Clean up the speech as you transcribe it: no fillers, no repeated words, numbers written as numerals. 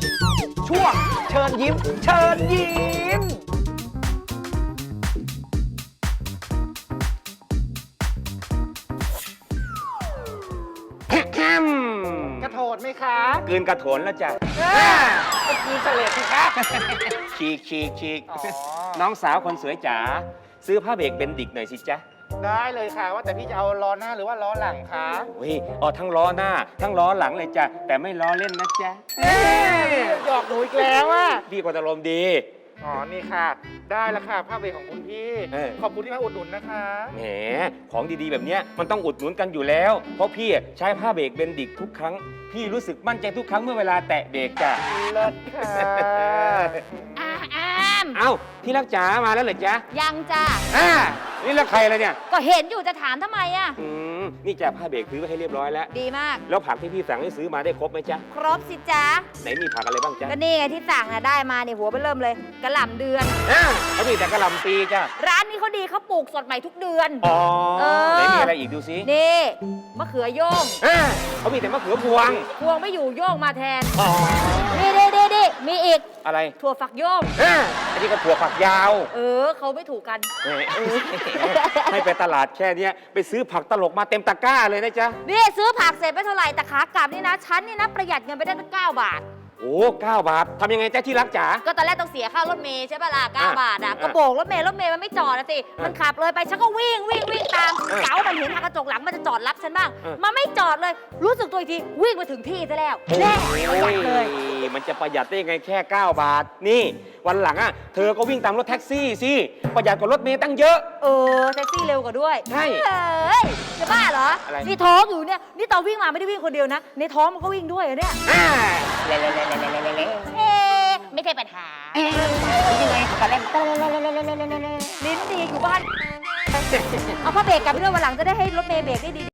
ช่วงเชิญยิ้ม เชิญยิ้มกระโถนไหมคะกลืนกระโถนแล้วจ้ะก็คือเสลดสิคะฉีกอ๋อน้องสาวคนสวยจ๋าซื้อผ้าเบรกเบนดิกหน่อยสิจ๊ะได้เลยค่ะ ว่าแต่พี่จะเอาล้อหน้าหรือว่าล้อหลังคะโอ้ยเอาทั้งล้อหน้า ทั้งล้อหลังเลยจ้ะแต่ไม่ล้อเล่นนะจ๊ะหยอกหนูอีกแล้วอ่ะพี่ก็อารมณ์ดีอ๋อ นี่ค่ะ ได้แล้วค่ะผ้าเบรกของคุณพี่ ขอบคุณที่มาอุดหนุนนะคะแหมของดีๆแบบเนี้ยมันต้องอุดหนุนกันอยู่แล้ว เพราะพี่ใช้ผ้าเบรกเบนดิกทุกครั้ง พี่รู้สึกมั่นใจทุกครั้งเมื่อเวลาแตะเบรกจ้ะเลิศค่ะอามเอ้าที่รักจ๋ามาแล้วเหรอจ๊ะยังจ้ะนี่แล้วใครล่ะเนี่ยก็เห็นอยู่จะถามทำไมอ่ะนี่จ้ะผ้าเบรกซื้อไว้ให้เรียบร้อยแล้วดีมากแล้วผักที่พี่สั่งให้ซื้อมาได้ครบไหมจ๊ะครบสิจ๊ะไหนมีผักอะไรบ้างจ๊ะก็นี่ไงที่สั่งน่ะได้มาเนี่ยหัวไปเริ่มเลยกระหล่ำเดือนเขามีแต่กระหล่ำปีจ้ะร้านนี้เขาดีเขาปลูกสดใหม่ทุกเดือนอ๋อเออไหนมีอะไรอีกดูสินี่มะเขือโยงเขามีแต่มะเขือพวงพวงไม่อยู่โยงมาแทนอ๋อนี่มีอีกอะไรถั่วฝักโยงอันนี้ก็ถั่วฝักยาวเขาไม่ถูกกันแหมให้ไปตลาดแค่เนี้ยไปซื้อผักตลกมาเต็มตะกร้าเลยนะจ๊ะนี่ซื้อผักเสร็จไม่เท่าไหร่แต่ขากลับนี่นะฉันนี่นะประหยัดเงินไปได้ตั้ง9 บาทโอ้9 บาททำยังไงจ๊ะที่รักจ๋าก็ตอนแรกต้องเสียค่ารถเมย์ใช่ป่ะล่ะอ่ะ 9 บาทอ่ะ ก็โบกรถเมย์มันไม่จอดนะสิ มันขับเลยไปฉันก็วิ่งตาม เก๋ามันเห็นทางกระจกหลังมันจะจอดรับฉันบ้าง มันไม่จอดเลย รู้สึกตัวอีกทีวิ่งมาถึงที่ซะแล้วแน่ประหยัดเลยมันจะประหยัดได้ยังไงแค่9 บาท นี่วันหลังอ่ะเธอก็วิ่งตามรถแท็กซี่สิประหยัดกว่ารถเมย์ตั้งเยอะแท็กซี่เร็วกว่าด้วยใช่เฮ้ยจะบ้าเหรออะไรนี่ท้องอยู่เนี่ย นี่ตอนวิ่งมาไม่ได้วิ่งคนเดียวนะ ในท้องมันก็วิ่งด้วยเหรอเนี่ย ไม่ใช่ปัญหายังไงกันเล่นลิ้นดีอยู่บ้าน เอาผ้าเบรกกลับไปด้วยวันหลังจะได้ให้รถเมย์เบรกได้ดี